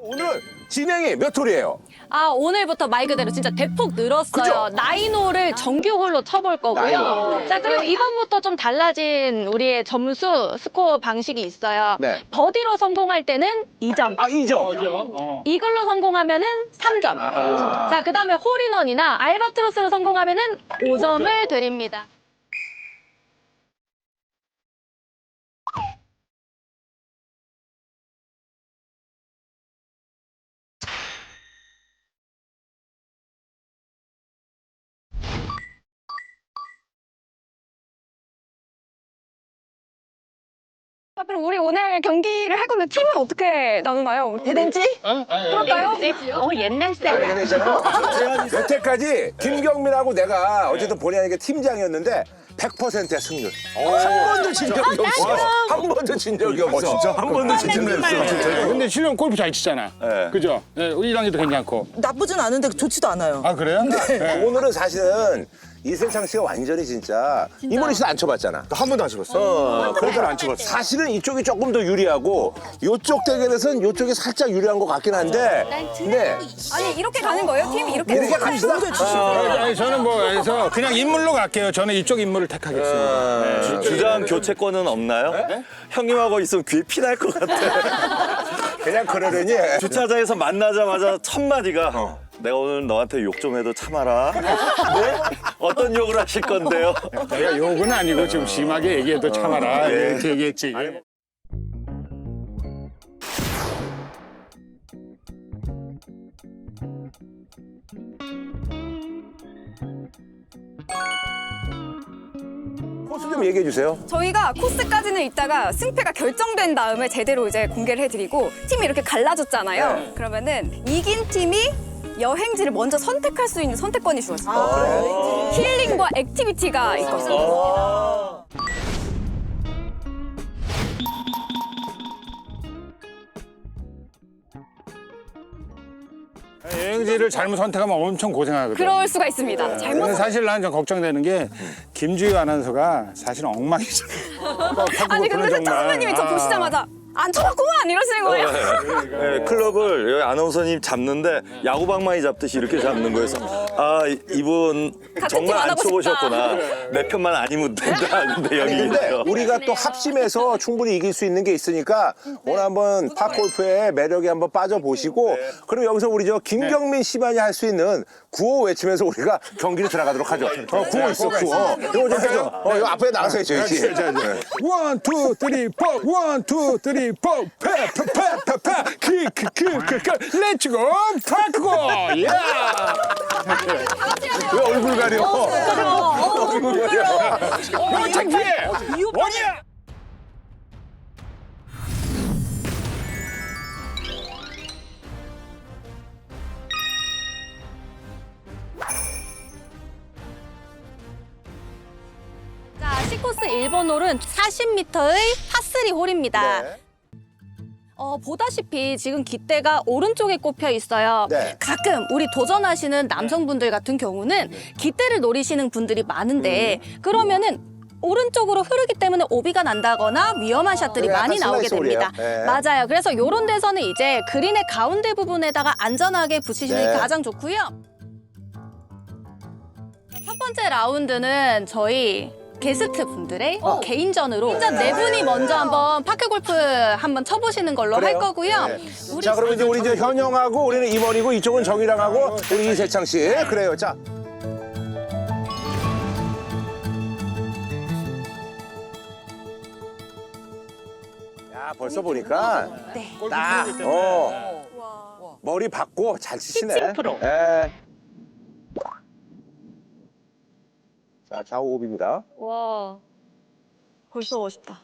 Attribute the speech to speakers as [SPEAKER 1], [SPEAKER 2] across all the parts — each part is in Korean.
[SPEAKER 1] 오늘 진행이 몇 홀이에요?
[SPEAKER 2] 아, 오늘부터 말 그대로 진짜 대폭 늘었어요.
[SPEAKER 1] 그죠?
[SPEAKER 2] 나인홀을 정규홀로 쳐볼 거고요.
[SPEAKER 1] 나인홀.
[SPEAKER 2] 자, 그리고 이번부터 좀 달라진 우리의 점수 스코어 방식이 있어요.
[SPEAKER 1] 네.
[SPEAKER 2] 버디로 성공할 때는 2점.
[SPEAKER 1] 아, 2점.
[SPEAKER 2] 이걸로 성공하면은 3점. 자, 그 다음에 홀인원이나 알바트로스로 성공하면은 5점을 드립니다.
[SPEAKER 3] 그럼 우리 오늘 경기를 할 건데 팀은 어떻게 나누나요? 대댄지? 그럴까요?
[SPEAKER 2] 옛날 스타일.
[SPEAKER 1] 여태까지 김경민하고 내가 어쨌든 본의 아니게 팀장이었는데 100%의 승률. 한 번도 진 적이 없어. 한 번도 진 적이 없어.
[SPEAKER 4] 진짜 한 번도 진적 없어.
[SPEAKER 5] 근데 실은 골프 잘 치잖아.
[SPEAKER 4] 네.
[SPEAKER 5] 그죠? 네, 1학년도 괜찮고.
[SPEAKER 6] 나쁘진 않은데 좋지도 않아요.
[SPEAKER 5] 아, 그래요? 네.
[SPEAKER 1] 오늘은 사실은 이세창 씨가 완전히 진짜 이모리 씨도 안 쳐봤잖아.
[SPEAKER 4] 한 번도 안 쳐봤어.
[SPEAKER 1] 그러니까 안 쳐봤어. 사실은 이쪽이 조금 더 유리하고 이쪽 대결에서는 이쪽이 살짝 유리한 것 같긴 한데. 네.
[SPEAKER 3] 아니 이렇게 가는 거예요? 팀이 이렇게?
[SPEAKER 1] 이렇게 갑시다.
[SPEAKER 5] 아니, 저는 뭐, 그래서 그냥 인물로 갈게요. 저는 이쪽 인물을 택하겠습니다. 네.
[SPEAKER 4] 주장 교체권은 없나요? 형님하고 있으면 귀에 피 날 것 같아.
[SPEAKER 1] 그냥 그러려니.
[SPEAKER 4] 주차장에서 만나자마자 첫 마디가 내가 오늘 너한테 욕 좀 해도 참아라. 네? 어떤 욕을 하실 건데요?
[SPEAKER 5] 내가 욕은 아니고 좀 심하게 얘기해도 참아라.
[SPEAKER 4] 예.
[SPEAKER 5] 이렇게 얘기했지.
[SPEAKER 1] 코스 좀 얘기해 주세요.
[SPEAKER 3] 저희가 코스까지는 이따가 승패가 결정된 다음에 제대로 이제 공개를 해드리고 팀이 이렇게 갈라졌잖아요. 그러면은 이긴 팀이 여행지를 먼저 선택할 수 있는 선택권이 주어져요. 힐링과 액티비티가 있거든요.
[SPEAKER 5] 여행지를 잘못 선택하면 엄청 고생하거든.
[SPEAKER 3] 그럴 수가 있습니다. 잘못
[SPEAKER 5] 근데 사실 나는 좀 걱정되는 게 김주희 아나운서가 사실 엉망이잖아.
[SPEAKER 3] 아니 근데 세창 선배님이 저 보시자마자 안 쳐봤구만 이러시는 거예요.
[SPEAKER 4] 네, 클럽을 여기 아나운서님 잡는데 야구방망이 잡듯이 이렇게 잡는 거여서 아 이분
[SPEAKER 3] 같은
[SPEAKER 4] 정말
[SPEAKER 3] 팀안
[SPEAKER 4] 안
[SPEAKER 3] 하고
[SPEAKER 4] 쳐보셨구나. 내 편만 아니면 된다. 근데 여기
[SPEAKER 1] 근데
[SPEAKER 4] 있어요.
[SPEAKER 1] 우리가 또 합심해서 충분히 이길 수 있는 게 있으니까 오늘 한번 팝골프의 매력에 한번 빠져보시고 그럼 여기서 우리 저 김경민 씨만이 할 수 있는 구호 외치면서 우리가 경기를 들어가도록 하죠. 구호 있어, 구호. 이거 좀 해줘. 이거 앞에 나가서 해줘야지.
[SPEAKER 5] 원, 투, 쓰리, 포. 원, 투, 쓰리, 포. 페페페페페. 키크크크크. 렛츠고 파크고. 야.
[SPEAKER 1] 왜 얼굴 가려? 얼굴 가려.
[SPEAKER 5] 너 창피해. 원이야.
[SPEAKER 2] 자, C코스 1번 홀은 40m의 파3 홀입니다.
[SPEAKER 1] 네.
[SPEAKER 2] 보다시피 지금 깃대가 오른쪽에 꼽혀 있어요.
[SPEAKER 1] 네.
[SPEAKER 2] 가끔 우리 도전하시는 남성분들 같은 경우는 깃대를 노리시는 분들이 많은데 그러면은 오른쪽으로 흐르기 때문에 오비가 난다거나 위험한 샷들이
[SPEAKER 1] 네,
[SPEAKER 2] 많이
[SPEAKER 1] 약간
[SPEAKER 2] 나오게
[SPEAKER 1] 슬라이스
[SPEAKER 2] 됩니다.
[SPEAKER 1] 홀이에요. 네.
[SPEAKER 2] 맞아요. 그래서 이런 데서는 이제 그린의 가운데 부분에다가 안전하게 붙이시는 게
[SPEAKER 1] 네.
[SPEAKER 2] 가장 좋고요. 첫 번째 라운드는 저희 게스트 분들의 개인전으로 혼자 네 분이 먼저 한번 파크 골프 한번 쳐보시는 걸로 할
[SPEAKER 1] 그래요?
[SPEAKER 2] 거고요.
[SPEAKER 1] 네.
[SPEAKER 2] 우리
[SPEAKER 1] 자, 그럼 이제 우리 저 현영하고 우리는 이번이고 이쪽은 정이랑 하고 우리 이세창 씨. 그래요. 자. 야, 벌써 보니까 딱 머리 받고 잘 치시네. 예. 자, 좌우 오비입니다.
[SPEAKER 3] 와 벌써 멋있다.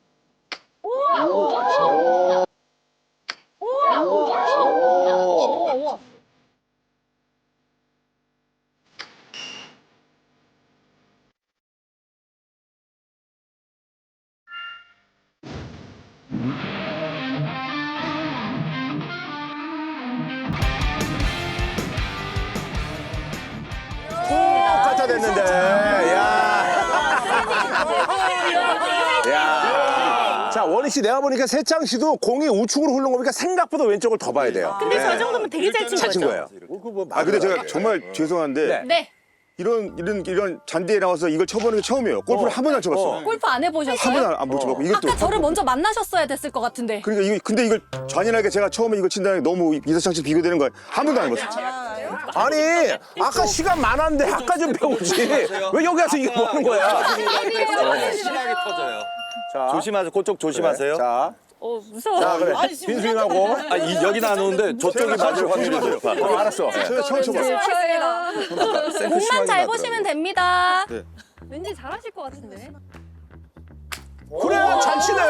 [SPEAKER 1] 갖다 댔는데. 야. 야. 자, 원희 씨 내가 보니까 세창 씨도 공이 우측으로 흐른 거니까 생각보다 왼쪽을 더 봐야 돼요.
[SPEAKER 2] 근데 저 정도면 되게 잘 친
[SPEAKER 1] 잘 친
[SPEAKER 2] 거죠?
[SPEAKER 1] 거예요.
[SPEAKER 7] 아 근데 제가 정말 죄송한데
[SPEAKER 1] 네.
[SPEAKER 2] 네.
[SPEAKER 7] 이런 잔디에 나와서 이걸 쳐보는 게 처음이에요. 골프를 한 번도 안 쳐봤어.
[SPEAKER 2] 골프 안 해보셨어요?
[SPEAKER 7] 한 번도 안 쳐봤고 이게 또
[SPEAKER 2] 아까 저를 먼저 만나셨어야 됐을 것 같은데.
[SPEAKER 7] 그러니까 근데 이걸 잔인하게 제가 처음에 이걸 친다는 게 너무 이사창 씨 비교되는 거예요. 한 번도 안 해봤어.
[SPEAKER 1] 아니, 아까 시간 많았는데 아까 좀 배우지. 왜 여기 와서 이거 뭐 하는 거야?
[SPEAKER 4] 심하게 터져요.
[SPEAKER 1] 자,
[SPEAKER 4] 조심하세요. 그쪽 조심하세요.
[SPEAKER 1] 자,
[SPEAKER 2] 무서워.
[SPEAKER 1] 자, 그래. 빈스윙하고.
[SPEAKER 4] 아, 여기는 안 오는데 저쪽이 맞을 확률이 높아.
[SPEAKER 1] 알았어.
[SPEAKER 7] 제가 처음 쳐봤어.
[SPEAKER 2] 공만 잘 보시면 됩니다.
[SPEAKER 7] 네.
[SPEAKER 2] 왠지 잘하실 것 같은데.
[SPEAKER 1] 그래, 잘 치네.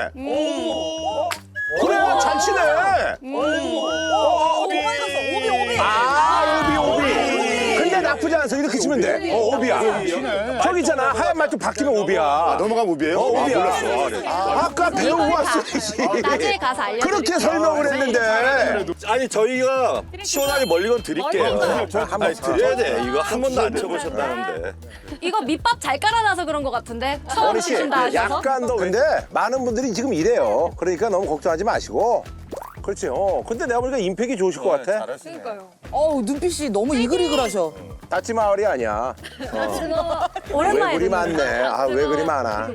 [SPEAKER 1] 그래, 잘 치네. 아, 오비. 근데 나쁘지 않아서 이렇게 치면 돼. 오비야. 저기 있잖아. 하얀 말뚝 바뀌면 오비야.
[SPEAKER 7] 넘어가면 오비예요?
[SPEAKER 1] 오비야.
[SPEAKER 7] 몰랐어.
[SPEAKER 1] 아까 배우고 왔어야지.
[SPEAKER 2] 나중에 가서 알려드릴게요.
[SPEAKER 1] 그렇게 설명을 했는데.
[SPEAKER 4] 아니 저희가 시원하게 멀리 건 드릴게요. 아니 드려야 돼. 이거 한 번도 안 쳐보셨다는데.
[SPEAKER 2] 이거 밑밥 잘 깔아놔서 그런 것 같은데. 처음
[SPEAKER 1] 원희 씨,
[SPEAKER 2] 치신다 하셔서.
[SPEAKER 1] 약간 더 근데 많은 분들이 지금 이래요. 그러니까 너무 걱정하지 마시고. 그렇지. 근데 내가 보니까 임팩이 좋으실 것 같아.
[SPEAKER 6] 어우, 눈빛이 너무 이글이글하셔.
[SPEAKER 1] 다치 마을이 아니야. 왜
[SPEAKER 2] 오랜만에
[SPEAKER 1] 그리 많네. 아, 왜 그리 많아.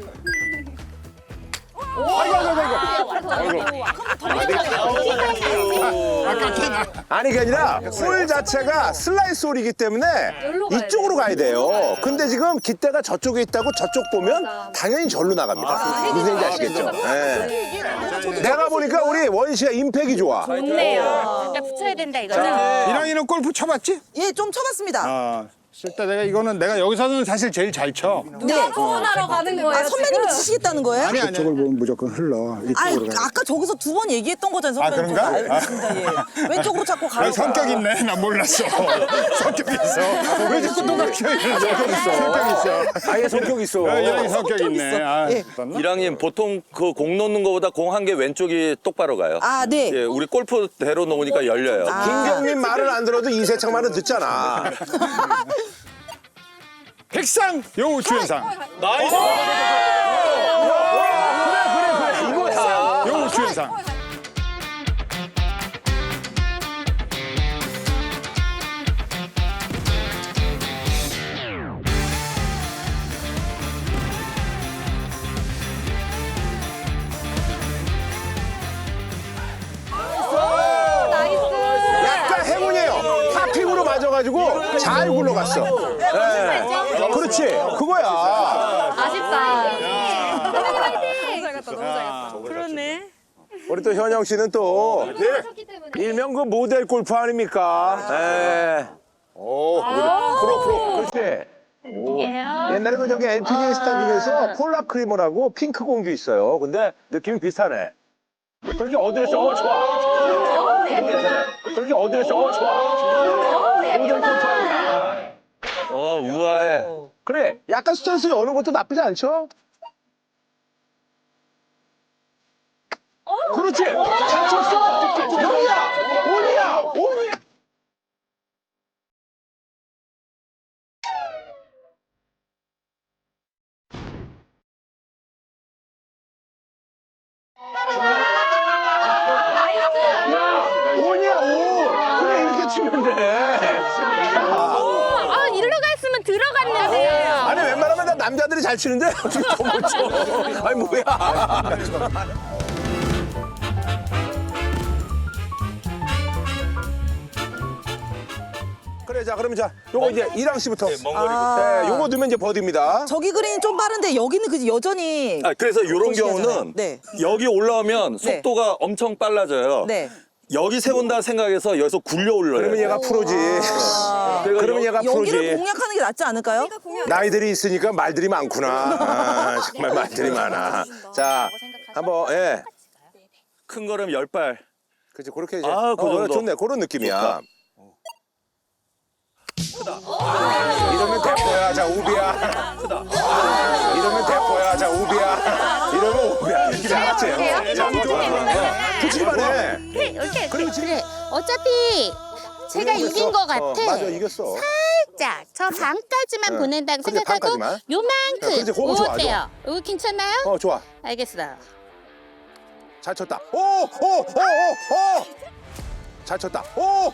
[SPEAKER 1] 아니, 그게 아니라 홀 자체가 슬라이스 홀이기 때문에 이쪽으로 가야 돼요. 근데 지금 깃대가 저쪽에 있다고 저쪽 보면 당연히 절로 나갑니다. 무슨 얘기인지 아시겠죠? 네. 내가 보니까 우리 원희 씨가 임팩이 좋아.
[SPEAKER 2] 좋네요. 진짜 붙여야 된다 이거는.
[SPEAKER 5] 이랑이는 골프 쳐봤지?
[SPEAKER 6] 예, 좀 쳐봤습니다.
[SPEAKER 5] 아, 실제 내가 여기서는 사실 제일 잘 쳐.
[SPEAKER 6] 네.
[SPEAKER 2] 소원하러 가는 거예요.
[SPEAKER 6] 아, 선배님이
[SPEAKER 2] 지금?
[SPEAKER 6] 치시겠다는 거예요?
[SPEAKER 5] 아니, 이쪽을 보면 무조건 흘러.
[SPEAKER 6] 아니,
[SPEAKER 5] 이쪽으로 가.
[SPEAKER 6] 아까 저기서 두 번 얘기했던 거잖아요,
[SPEAKER 5] 아,
[SPEAKER 6] 선배님.
[SPEAKER 5] 그런가?
[SPEAKER 6] 저도 알고 있습니다, 예. 왼쪽으로 자꾸 가라고.
[SPEAKER 5] 아, 성격 있네. 난 몰랐어. 성격 있어. 왜 자꾸 똑같이 이러는 성격 있어.
[SPEAKER 1] 아예 성격 있어.
[SPEAKER 5] 이랑이 성격 있네. 아,
[SPEAKER 6] 예.
[SPEAKER 4] 이랑님 보통 그 공 놓는 거보다 공 한 개 왼쪽이 똑바로 가요.
[SPEAKER 6] 아, 네.
[SPEAKER 4] 예, 우리 골프대로 놓으니까 열려요.
[SPEAKER 1] 김경민 말을 안 들어도 이세창 말은 듣잖아.
[SPEAKER 5] 백상 여우 주연상.
[SPEAKER 4] 나이스!
[SPEAKER 1] 그래, 이거야.
[SPEAKER 5] 여우 주연상.
[SPEAKER 1] 약간 행운이에요. 탑핑으로 맞아가지고 잘 굴러갔어. 네. 그렇지. 그거야.
[SPEAKER 2] 아쉽다.
[SPEAKER 3] 그렇네.
[SPEAKER 1] 우리 또 현영 씨는 또 일명 그 모델 골프 아닙니까? 네. 프로. 그렇지. 옛날에 그 저기 LPGA 스타 중에서 폴라 크리머라고 핑크 공주 있어요. 근데 느낌이 비슷하네. 그렇게 어드레스, 좋아. 그렇게 어드레스, 좋아. 모델 골프 아니야.
[SPEAKER 4] 우아해.
[SPEAKER 1] 그래, 약간 스탠스 여는 것도 나쁘지 않죠? 그렇지! 잘 쳤어! 온이야! 온이야, 오! 그래, 이렇게 치면 돼.
[SPEAKER 2] 아, 일로 갔으면 들어갔는데요.
[SPEAKER 1] 아니, 웬만하면 다 남자들이 잘 치는데 어떻게 저걸 쳐? 아니, 뭐야. 그래, 자, 그러면 자, 요거 이제 이랑 씨부터.
[SPEAKER 4] 먼 거리.
[SPEAKER 1] 네, 요거 넣으면 이제 버디입니다.
[SPEAKER 6] 저기 그린이 좀 빠른데 여기는 그 여전히.
[SPEAKER 4] 아, 그래서 이런 경우는
[SPEAKER 6] 네.
[SPEAKER 4] 여기 올라오면
[SPEAKER 6] 네.
[SPEAKER 4] 속도가 엄청 빨라져요.
[SPEAKER 6] 네.
[SPEAKER 4] 여기 세운다 생각해서 여기서 굴려 올려요.
[SPEAKER 1] 그러면 얘가 프로지. 그러면 얘가
[SPEAKER 6] 여기를
[SPEAKER 1] 프로지.
[SPEAKER 6] 공략하는 게 낫지 않을까요?
[SPEAKER 1] 나이들이 있으니까 말들이 많구나. 아, 정말 말들이 많아. 자, 한번, 예.
[SPEAKER 4] 큰 거름 10발.
[SPEAKER 1] 그치, 그렇게 이제.
[SPEAKER 4] 아, 그 정도.
[SPEAKER 1] 좋네. 그런 느낌이야. 이러면 대포야. 자, 우비야. 이러면 대포야. 자, 우비야. 이러면 우비야. 이렇게 알았지? 자, 좋아. 붙이기만 해.
[SPEAKER 8] 이렇게
[SPEAKER 1] 그리고 지금
[SPEAKER 8] 그래. 어차피 제가
[SPEAKER 1] 이겼어.
[SPEAKER 8] 이긴 것 같아.
[SPEAKER 1] 맞아, 이겼어.
[SPEAKER 8] 살짝 저 반까지만 보낸다고
[SPEAKER 1] 근데
[SPEAKER 8] 생각하고
[SPEAKER 1] 반까지만?
[SPEAKER 8] 요만큼.
[SPEAKER 1] 그렇지, 그거 좋아,
[SPEAKER 8] 어때요? 이거 괜찮나요?
[SPEAKER 1] 좋아.
[SPEAKER 8] 알겠어.
[SPEAKER 1] 잘 쳤다. 오! 잘 쳤다. 오!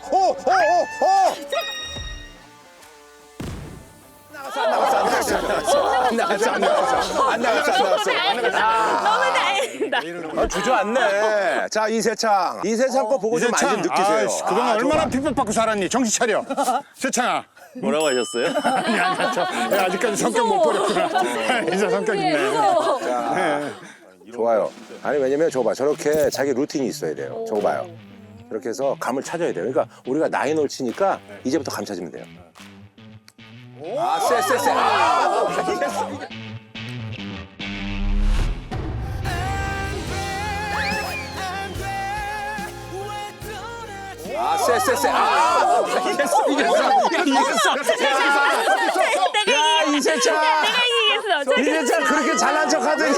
[SPEAKER 1] 안 나갔어.
[SPEAKER 2] 너무 다행이다.
[SPEAKER 1] 주저앉네. 자, 이세창 거 보고 좀 많이 좀 느끼세요.
[SPEAKER 5] 아이씨, 그동안 얼마나 핍박받고 살았니? 정신 차려. 세창아.
[SPEAKER 4] 뭐라고 하셨어요?
[SPEAKER 5] 아직까지 성격 못 버렸구나. 이제 성격 있네.
[SPEAKER 1] 좋아요. 아니 왜냐면 저거 봐. 저렇게 자기 루틴이 있어야 돼요. 저거 봐요. 이렇게 해서 감을 찾아야 돼요. 그러니까 우리가 나인홀 치니까 이제부터 감 찾으면 돼요. 아, 쎄. 쎄. 야, 이세창 그렇게 잘난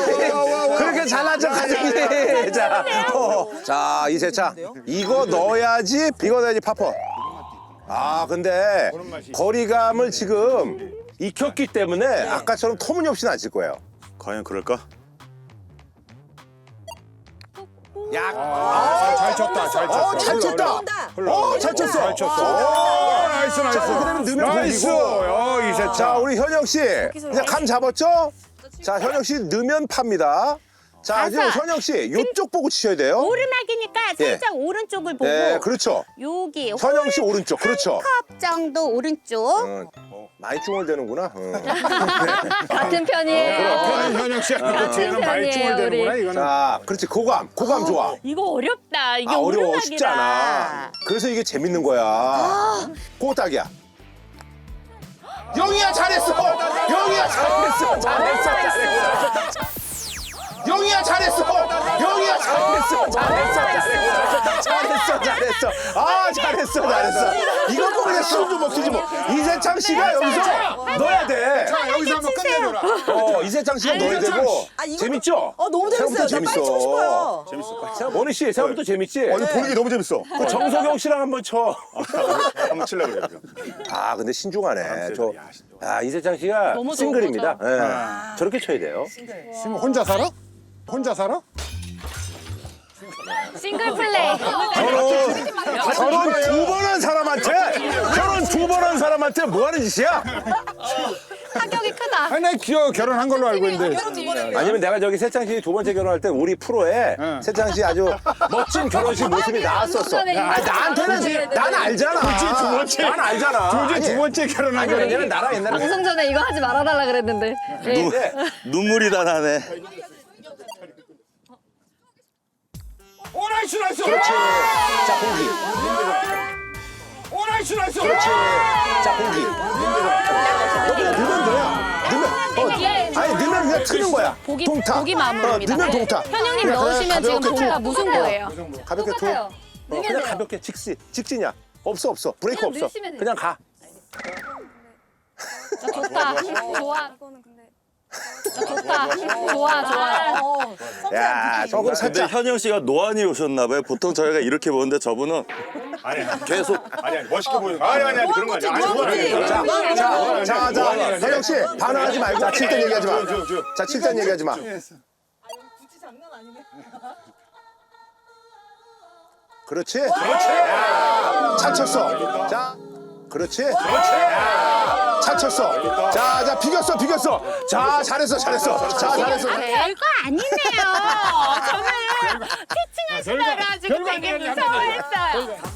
[SPEAKER 1] 척하더니. 자, 이세창 이거 넣어야지 파퍼. 아, 근데 거리감을 지금 익혔기 때문에 아까처럼 터무니없이는 안 칠 거예요.
[SPEAKER 7] 과연 그럴까?
[SPEAKER 5] 잘 쳤다.
[SPEAKER 1] 잘 쳤다. 잘 쳤어.
[SPEAKER 5] 나이스.
[SPEAKER 1] 그다음에 넣으면
[SPEAKER 5] 나이스.
[SPEAKER 1] 공이고.
[SPEAKER 5] 이세창.
[SPEAKER 1] 자, 우리 현영 씨 이제 감 잡았죠? 자, 현영 씨 넣으면 팝니다. 자, 지금 현영 씨 이쪽 보고 치셔야 돼요.
[SPEAKER 8] 오르막이니까 살짝 오른쪽을 보고
[SPEAKER 1] 네, 그렇죠.
[SPEAKER 8] 여기
[SPEAKER 1] 현영 씨 오른쪽, 그렇죠.
[SPEAKER 8] 컵 정도 오른쪽.
[SPEAKER 1] 많이 중얼대는구나.
[SPEAKER 2] 같은 편이에요.
[SPEAKER 5] 앞에는 현영 씨하고 뒤에는 많이
[SPEAKER 2] 편이에요,
[SPEAKER 5] 중얼대는구나
[SPEAKER 2] 우리.
[SPEAKER 5] 이거는.
[SPEAKER 1] 자, 그렇지. 고감 좋아.
[SPEAKER 8] 이거 어렵다. 이게
[SPEAKER 1] 어려워.
[SPEAKER 8] 오르막이라.
[SPEAKER 1] 쉽지 않아. 그래서 이게 재밌는 거야. 꼬딱이야. 영희야 잘했어. 잘했어. 이거 뭐 그냥 술좀 먹히지 뭐. 이세창 씨가 여기서 넣어야 돼.
[SPEAKER 5] 여기서 한번 끝내줘라.
[SPEAKER 1] 이세창 씨가 넣어야 되고. 재밌죠?
[SPEAKER 6] 너무 재밌어요. 저 빨리 치고 싶어요.
[SPEAKER 1] 원희 씨, 생각부터 재밌지?
[SPEAKER 7] 아니 보는 게 너무 재밌어.
[SPEAKER 1] 그 정석영 씨랑 한번 쳐.
[SPEAKER 7] 한번 치려고 그래요.
[SPEAKER 1] 아, 근데 신중하네. 이세창 씨가
[SPEAKER 2] 너무 좋은
[SPEAKER 1] 싱글입니다. 예. 저렇게 쳐야 돼요.
[SPEAKER 5] 지금 혼자 살아?
[SPEAKER 2] 싱글 플레이.
[SPEAKER 1] 결혼 두 번 한 사람한테 뭐 하는 짓이야?
[SPEAKER 2] 타격이 크다.
[SPEAKER 5] 아니 나 결혼한 걸로 알고 있는데.
[SPEAKER 1] 아니면 내가 저기 세창 씨 두 번째 결혼할 때 우리 프로에 세창 씨 아주 멋진 결혼식 모습이 나왔었어. 나한테는 난 알잖아. 난 알잖아.
[SPEAKER 5] 두 번째 결혼한
[SPEAKER 1] 아니,
[SPEAKER 5] 거야.
[SPEAKER 1] 왜냐면 나랑 옛날에
[SPEAKER 2] 방송 전에 이거 하지 말아달라 그랬는데. 예.
[SPEAKER 4] 눈물이 다 나네.
[SPEAKER 5] 나이스.
[SPEAKER 1] 그렇지. 자, 공기.
[SPEAKER 5] 나이스.
[SPEAKER 1] 자, 공기. 너 그냥 넣으면 돼요. 넣으면 그냥 트는 거야. 동타.
[SPEAKER 2] 보기 마음입니다.
[SPEAKER 1] 넣으면 동타.
[SPEAKER 2] 현영님
[SPEAKER 1] 그냥
[SPEAKER 2] 넣으시면 지금
[SPEAKER 1] 가볍게
[SPEAKER 2] 동타
[SPEAKER 1] 쳐.
[SPEAKER 2] 무슨 거예요?
[SPEAKER 1] 가볍게 투.
[SPEAKER 2] 똑같아요.
[SPEAKER 1] 그냥 가볍게 직진이야. 없어. 브레이크
[SPEAKER 2] 그냥
[SPEAKER 1] 없어.
[SPEAKER 2] 넣으시면 돼요.
[SPEAKER 1] 그냥 가.
[SPEAKER 2] 좋다. 좋아. 좋아.
[SPEAKER 1] 야, 저거
[SPEAKER 4] 근데
[SPEAKER 1] 살짝.
[SPEAKER 4] 현영 씨가 노안이 오셨나 봐요. 보통 저희가 이렇게 보는데 저분은 계속
[SPEAKER 7] 아니 멋있게 보이는 거. 아니 그런 거 아니야.
[SPEAKER 1] 자, 현영 씨 반항하지 말고. 자, 칠 땐 얘기하지 마. 자, 칠 땐 얘기하지 마. 그렇지. 잘 쳤어. 자, 그렇지. 잘 쳤어. 자, 비겼어. 자, 잘했어. 자, 잘했어.
[SPEAKER 8] 별거 아니네요. 저는 피칭하시느라 지금 되게 무서워했어요.